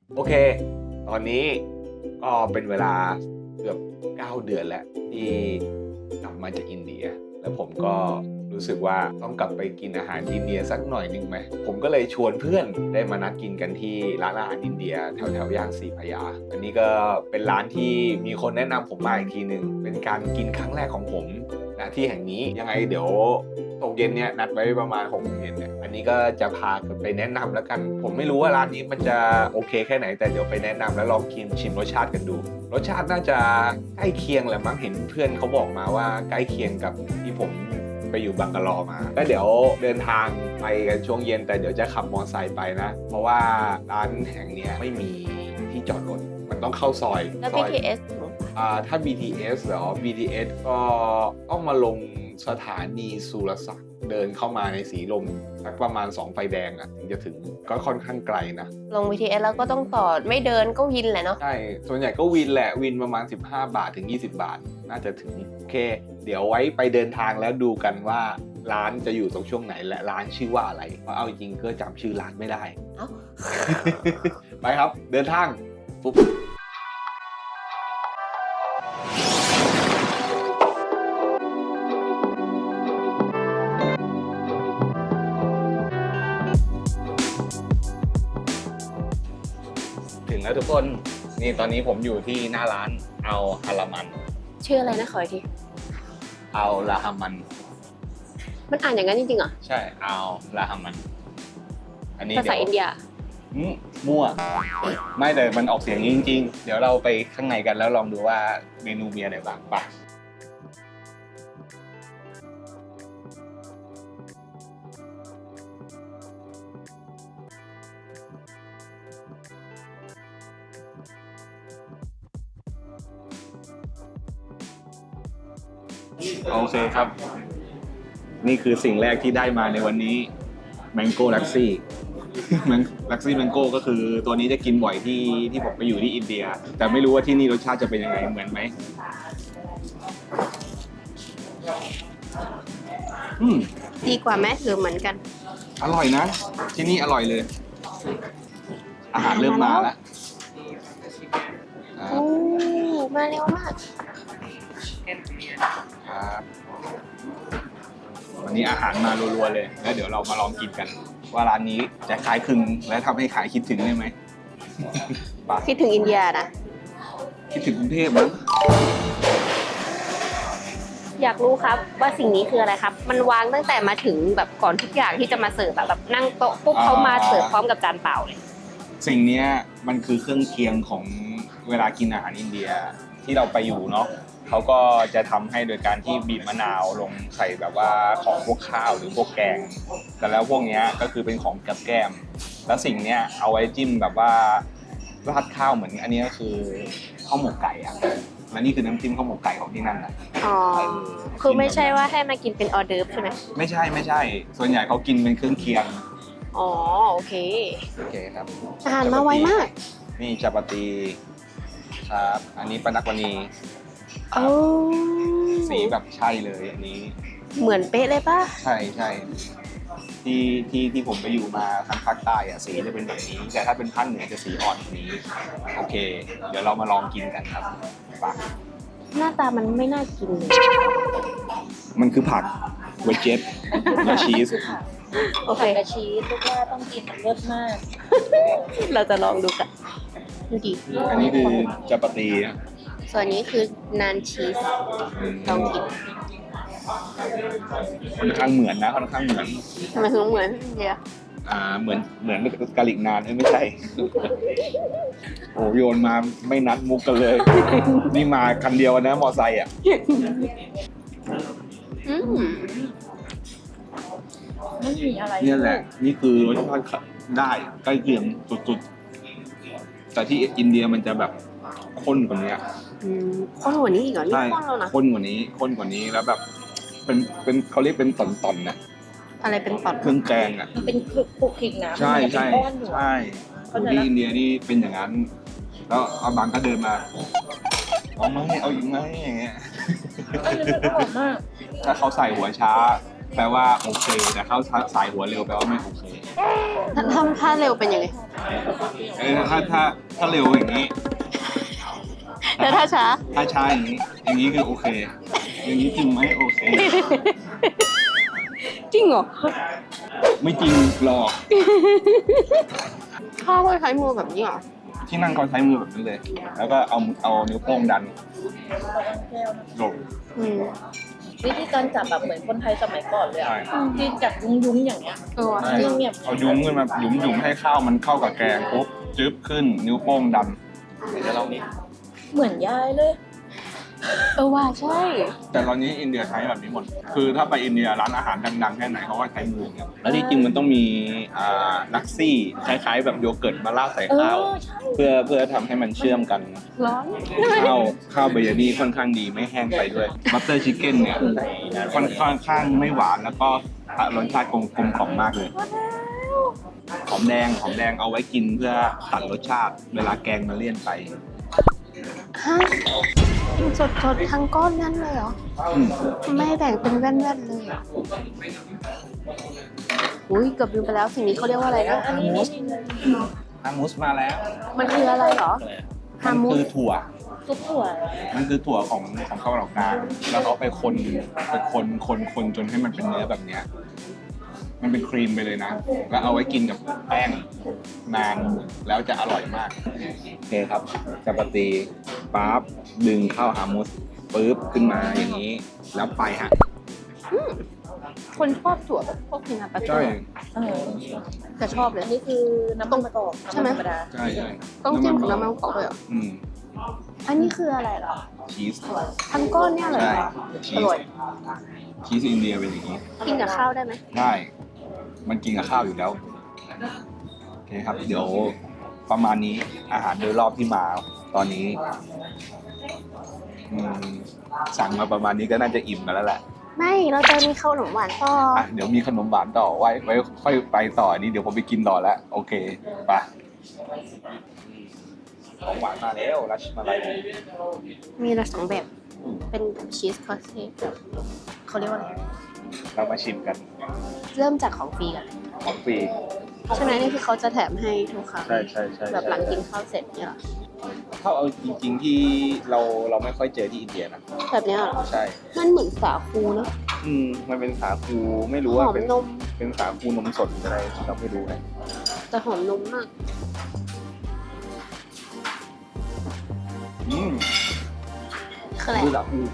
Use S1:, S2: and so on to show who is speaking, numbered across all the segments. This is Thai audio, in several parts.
S1: โอเคตอนนี้ก็เป็นเวลาเกือบ9 เดือนแล้วที่กลับมาจากอินเดียแล้วผมก็รู้สึกว่าต้องกลับไปกินอาหารอินเดียสักหน่อยหนึ่งไหมผมก็เลยชวนเพื่อนได้มานัดกินกันที่ร้านอาหารอินเดียแถวย่านศรีพระยาอันนี้ก็เป็นร้านที่มีคนแนะนำผมมาอีกทีหนึ่งเป็นการกินครั้งแรกของผมณที่แห่งนี้ยังไงเดี๋ยวตกเย็นเนี่ยนัดไว้ประมาณ6 โมงเย็นเนี่ยอันนี้ก็จะพาไปแนะนำแล้วกันผมไม่รู้ว่าร้านนี้มันจะโอเคแค่ไหนแต่เดี๋ยวไปแนะนำแล้วลองชิมรสชาติกันดูรสชาติน่าจะใกล้เคียงแหละมั้งเห็นเพื่อนเขาบอกมาว่าใกล้เคียงกับที่ผมไปอยู่บังกะลอมาก็เดี๋ยวเดินทางไปกันช่วงเย็นแต่เดี๋ยวจะขับมอเตอร์ไซค์ไปนะเพราะว่าร้านแห่งนี้ไม่มีที่จอดรถมันต้องเข้าซอย
S2: แล้ว
S1: ซอย
S2: BTS
S1: ถ้า BTS เหรอ BTS ก็ต้องมาลงสถานีสุรศักดิ์เดินเข้ามาในสีลมสักประมาณ2 ไฟแดงอ่ะถึงจะถึงก็ค่อนข้างไกลนะ
S2: ลง BTS แล้วก็ต้องต่อไม่เดินก็วินแหละเนาะ
S1: ใช่ส่วนใหญ่ก็วินแหละวินประมาณ15 บาทถึง20 บาทน่าจะถึงโอเคเดี๋ยวไว้ไปเดินทางแล้วดูกันว่าร้านจะอยู่ตรงช่วงไหนและร้านชื่อว่าอะไรเพราะเอาจริงก็จำชื่อร้านไม่ได้
S2: เอ้า
S1: ไปครับเดินทางปุ๊บถึงแล้วทุกคนนี่ตอนนี้ผมอยู่ที่หน้าร้านเอาฮารามัน
S2: ชื่ออะไรนะขออีกที
S1: เอาลาฮามัน
S2: มันอ่านอย่างนั้นจริงๆเหรอ
S1: ใช่เอาลาฮามันอันนี้
S2: ภาษาอินเดีย
S1: มั่วไม่แต่มันออกเสียงนี้จริงๆเดี๋ยวเราไปข้างในกันแล้วลองดูว่าเมนูมีอะไรบ้างไปโอเคครับ นี่คือสิ่งแรกที่ได้มาในวันนี้ Mango Lassi Lassi Mango ก็คือตัวนี้จะกินบ่อยที่ผมไปอยู่ที่อินเดีย แต่ไม่รู้ว่าที่นี่รสชาติจะเป็นยังไงเหมือนไหม
S2: ดีกว่าไหมหรือเหมือนกัน
S1: อร่อยนะ ที่นี่อร่อยเลย อาหารเริ่มมาแล้ว
S2: โอ้มาเร็วมาก
S1: ครับวันนี้อาหารมารัวๆเลย แล้วเดี๋ยวเรามาลองกินกัน ว่าร้านนี้จะขายคลึงและทำให้ขายคิดถึงได้ไหมปะ
S2: คิดถึงอินเดียนะ
S1: คิดถึงกรุงเทพมั้ง
S2: อยากรู้ครับว่าสิ่งนี้คืออะไรครับ มันวางตั้งแต่มาถึงแบบก่อนทุกอย่างที่จะมาเสิร์ฟแบบนั่งโต๊ะปุ๊บเขามาเสิร์ฟพร้อมกับจานเปล่าเลย
S1: สิ่งเนี้ยมันคือเครื่องเคียงของเวลากินอาหารอินเดียที่เราไปอยู่เนาะเขาก็จะทำให้โดยการที่บีบมะนาวลงใส่แบบว่าของพวกข้าวหรือพวกแกงแต่แล้วพวกเนี้ยก็คือเป็นของกับแก้มแล้วสิ่งเนี้ยเอาไว้จิ้มแบบว่าราดข้าวเหมือนอันนี้ก็คือข้าวหมกไก่อะและนี่คือน้ำจิ้มข้าวหมกไก่ของที่นั่นอะ
S2: อ๋อ คือไม่ใช่ว่าให้มากินเป็นออเดิร์ฟใช่ไหม
S1: ไม่ใช่ส่วนใหญ่เขากินเป็นเครื่องเคียง
S2: อ๋อ โอเค
S1: โอเคครับ
S2: อาหารมาไวมาก
S1: นี่จัปาตีครับอันนี้ปานักวานี
S2: โอ้
S1: สีแบบใช่เลยอันนี้
S2: เหมือนเป๊ะเลยป่ะ
S1: ใช่ที่ผมไปอยู่มาทางภาคใต้อะสีจะเป็นแบบนี้ แต่ถ้าเป็นภาคเหนือจะสีอ่อนกว่านี้โอเค เดี๋ยวเรามาลองกินกันครับปะ
S2: หน้าตามันไม่น่ากินเลย
S1: มันคือผักเวจเจ็ตและชีส
S2: โอเค
S3: ผัดกระชีสลูกว่าต้องกินมันเลิศมาก
S2: เราจะลองดูกันดูดิ
S1: อันนี้คือจัปาตีอะ
S2: ส่วนนี้คือนานชีสลองกิน
S1: ค่อนข้างเหมือนนะค่อนข้างเหมือน
S2: ทำไมถึงเหมือนเดีย
S1: เหมือนกาลิกนานไม่ใช่ โอ้โยนมาไม่นัดมุกกันเลย นี่มาคันเดียวนะมอไซค์อ่ะ
S2: อืม
S3: ไม่มีอะไร
S1: เนี่ยแหละ นี่คือรสชาติได้ใกล้เคียงสุดๆ แต่ที่อินเดียมันจะแบบข้นกว่านี้
S2: ข้นกว่านี้อีกเหรอ นี่
S1: ใช่
S2: ข้นแล้วนะ
S1: ข้นกว่านี้แล้วแบบเป็นเขาเรียกเป็นตอนๆนะ
S2: อะไรเป็นปอด
S1: เครื่องแกงอ่ะ
S3: มันเป็นคลุกคลิกนะ
S1: ใช่
S3: มันเป็นก้อนอยู่
S1: ใช่คนที่อินเดียนี่เป็นอย่างนั้น แล้วเอาบางก็เดินมาเอาไหมเอาอีกไหมอย่างเงี้ย
S3: ก็เลยมันอร่อยมาก
S1: ถ้าเขาใส่หัวช้าแปลว่าโอเค แต่เข้าสายหัวเร็วแปลว่าไม่โอเค
S2: ถ้าเร็วเป็นยังไง
S1: ถ้าเร็วอย่างนี้
S2: แล้วถ้าช้า
S1: ถ้าช้าอย่างนี้คือโอเค อย่างนี้จริงไหมโอเค
S2: จริงเหรอ
S1: ไม่จริงหรอก
S2: ข้าวก็ใช้มือแบบนี้เหรอ
S1: ที่นั่งก็ใช้มือแบบนี้เลย แล้วก็เอานิ้วโป้งดัน
S3: แก้วนะ
S1: ลง
S2: อืม
S3: วิธีการจับแบบเหมือนคนไทยสมัยก่อนเลย
S1: ใช่
S3: อะที่จับยุ้งๆอย่างเงี้ย
S2: ว่ะ
S3: เงียบ
S1: เอายุ้มขึ้นมายุ้มให้ข้าวมันเข้ากับแกงปุ๊บจึ๊บขึ้นนิ้วโป้งดันเดี๋ยวเรานี้
S3: เหมือนยายเลย
S2: ว่าใช่
S1: แต่ตอนนี้อินเดียใช้แบบนี้หมด คือถ้าไปอินเดียร้านอาหารดังๆแค่ไหนเขาก็ใช้มืออย่างเงี้ยแล้วที่จริงมันต้องมีลักซี่คล้ายๆแบบโยเกิร์ตมาราดใส่ข้าว
S3: ใช่
S1: เพื่อทำให้มันเชื่อมกัน
S2: ร้อน
S1: ข้าวเบยานี่ค่อนข้างดีไม่แห้งไปด้วยบัตเตอร์ชิคเก้นเนี่ยค่อนข้างไม่หวานแล้วก็รสชาติกลมกล่อมมากเลยหอมแดงเอาไว้กินเพื่อตัดรสชาติเวลาแกงมันเลี่ยนไป
S2: ฮะกินสดทั้งก้อนนั้นเลยเหรอ
S1: อืม
S2: ไม่แบ่งเป็นแว่นๆเลยเหรออุ้ยเกือบลืมไปแล้วสิ่งนี้เขาเรียกว่าอะไรนะ
S3: อันนี้
S1: ฮามุสมาแล้ว
S2: มันคืออะไรเหรอ ฮามุส
S1: คือถั่ว
S3: ซุปถั่ว
S1: มันคือถั่วของเกาหลีกลางแล้วเขาไปคนจนให้มันเป็นเนื้อแบบเนี้ย มันเป็นครีมไปเลยนะ แล้วเอาไว้กินกับแป้งนานแล้วจะอร่อยมากโอเคครับจัปาตีปั๊บดึงเข้าฮามุสปึ๊บขึ้นมาอย่างนี้ แล้วไปฮะ
S2: คนชอบถั่วแบบพวกพินาปัตเตอ
S1: ใช่
S2: ร์แต่ชอบเลย
S3: อันนี้คือน้ำมันมะกอก
S2: ใช่ไหม
S3: ธรรมดา
S1: ใช่ใช่
S2: ต้องจิ้มกับน้ำมันกอกเลยเหรอ
S1: อืม
S2: อันนี้คืออะไรเหรอ
S1: ชีส
S2: ทั้งก้อนเนี่ยเลย
S1: ใช่
S2: เหรอ
S1: ชี
S2: อ
S1: ส
S2: ร่อย
S1: ชีสอินเดียเป็นอย่างนี้
S2: กินกับข้าวได้ไหม
S1: ได้ มันกินกับข้าวอยู่แล้ว โอเคครับ เดี๋ยวประมาณนี้อาหารโดยรอบที่มาตอนนี้สั่งมาประมาณนี้ก็น่าจะอิ่มกันแล้วแหละ
S2: ไม่เราจะมีข้าวหนมหวานต่อ
S1: อ่ะเดี๋ยวมีขนมหวานต่อไว้ค่อยไปต่อนี้เดี๋ยวผมไปกินต่อแล้ว โอเคไปของหวานมาแล้วรัชมาลัย
S2: มีละ2แบบ เป็นชีสคอสเซ่กับเขาเรียกว่าอะไร
S1: เรามาชิมกัน
S2: เริ่มจากของฟรีกัน
S1: ของฟรี
S2: ใช่ไหมนี่คือเขาจะแถมให้ทุกครั้ง
S1: ใช่
S2: แบบหลังกินข้าวเสร็จเนี่ยเหรอ
S1: ถ้าเอาจริงๆที่เราไม่ค่อยเจอที่อินเดียนะ
S2: แบบเนี้ยเหรอ
S1: ใช่
S2: มันเหมือนสาคูเนอะ
S1: มันเป็นสาคูไม่รู้
S2: ห
S1: ว่า
S2: อม
S1: เป็น
S2: นม
S1: เป็นสาคูนมสดหรืออะไรเราไม่รู้นะ
S2: แต่หอมนมมาก คืออะไร
S1: คือสาคู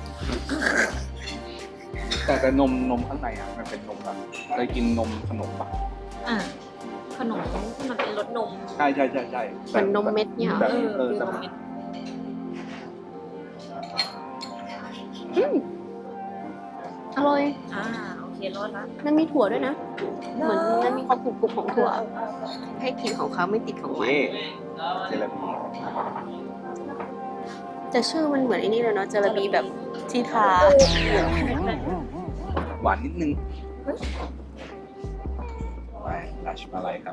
S1: แต่นมข้างในอ่ะมันเป็นนมแบบเคยกินนมขนมปัง
S3: อ่าขนมที่มันเป็นรสนม
S1: ใช่
S2: เหมือนนมเม็ดเนี่ยเหรอ
S1: แบบ
S3: เป็น
S1: แต่
S3: นมเม็ด
S2: อร่อย
S3: โอเครอดละ
S2: มันมีถั่วด้วยนะ เหมือนมันมีความกรุบๆของถั่ว ให้กลิ่นของเขาไม่ติดของหวาน
S1: นี่เจลาบี
S2: แต่ชื่อมันเหมือนไอ้นี่เลยเนาะเจลาบีแบบที่ทา
S1: หวานนิดนึงไปรัชมาลัยครับ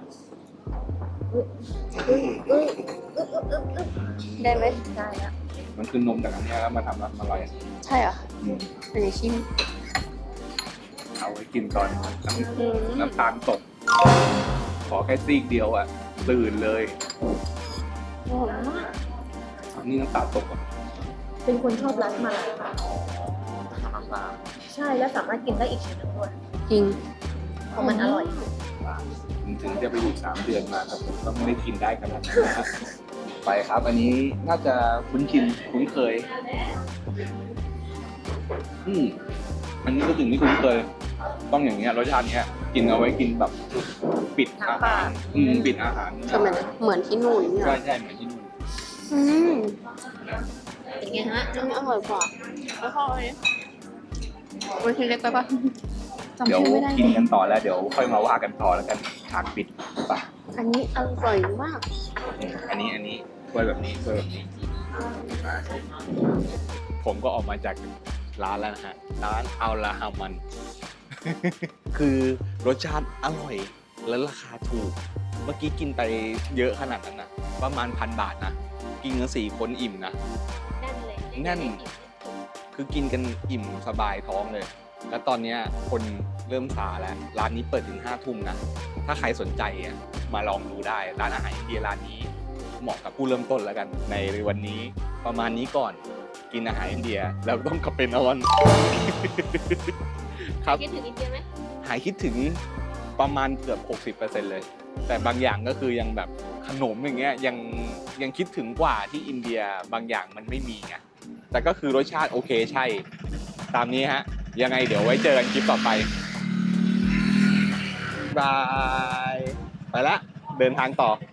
S2: ได้ไหม
S3: ได้ละ
S1: มันคือนมจากอันเนี้ยแล้วมาทำรัชมาลัย
S2: ใช่เหรอ
S1: อืม
S2: เป็นชิม
S1: เอาไว้กินตอนน้
S2: อืม
S1: ำน้ำตาลตก ขอแค่ซีกเดียวอ่ะ ตื่นเลย
S2: หอมมาก
S1: นี่น้ำตาลตกอ่ะ
S3: เป็นคนชอบรัสมาลาย
S1: น้ำตาล
S3: ใช่แล้วสามารถกินได้อีกชิ้นหนึงด้วย
S2: จริง
S3: เพราะมันอร่อย
S1: ถึงจะไปอยู่3 เดือนมาครับผมก็ไม่ได้กินได้ขนาดนั้นนะฮะไปครับ อันนี้น่าจะคุ้นเคย อันนี้ก็ถึงที่คุ้นเคย ต้องอย่างเงี้ยรสชาติเนี้ย กินเอาไว้กินแบบปิดอาหารปิดอาหาร
S2: คือมันเหมือนที่นู่นเนี่ย
S1: ใช่เหมือนที่นู่น
S2: อืม
S3: เป็นไงฮะ
S2: อันนี้อร่อยกว่าแล้วก็อะไรเวทีเล็กไปปะจำ
S1: เดี๋ยว
S2: ชื่อไม่ได้
S1: กินกันต่อแล้วเดี๋ยวค่อยมาว่ากันต่อแล้วกันฉากปิดไป
S2: อันนี้อร่อยมาก
S1: อันนี้ถ้วยแบบนี้ผมก็ออกมาจากร้านแล้วนะฮะร้านอัลลาฮามัน คือรสชาติอร่อยและราคาถูก เมื่อกี้กินไปเยอะขนาดนั้นนะประมาณ1,000 บาทนะกินกัน4 คนอิ่มนะ
S2: แน่นเลย
S1: แน่น คือกินกันอิ่มสบายท้องเลย แล้วตอนเนี้ยคน
S4: เริ่มซาแล้วร้านนี้เปิดถึง5 ทุ่มนะถ้าใครสนใจอ่ะมาลองดูได้ร้านอาหารอินเดียร้านนี้เหมาะกับผู้เริ่มต้นแล้วกันในวันนี้ประมาณนี้ก่อนกินอาหารอินเดียแล้วต้องกลับไปนอน ครับ
S2: คิดถึงอินเดียไหม
S4: หายคิดถึงประมาณเกือบ 60% เลย แต่บางอย่างก็คือยังแบบขนมอย่างเงี้ยยังคิดถึงกว่าที่อินเดียบางอย่างมันไม่มีไงแต่ก็คือรสชาติโอเคใช่ ตามนี้ฮะ ยังไงเดี๋ยวไว้เจอกันคลิปต่อไปบาย ไปละเดินทางต่อ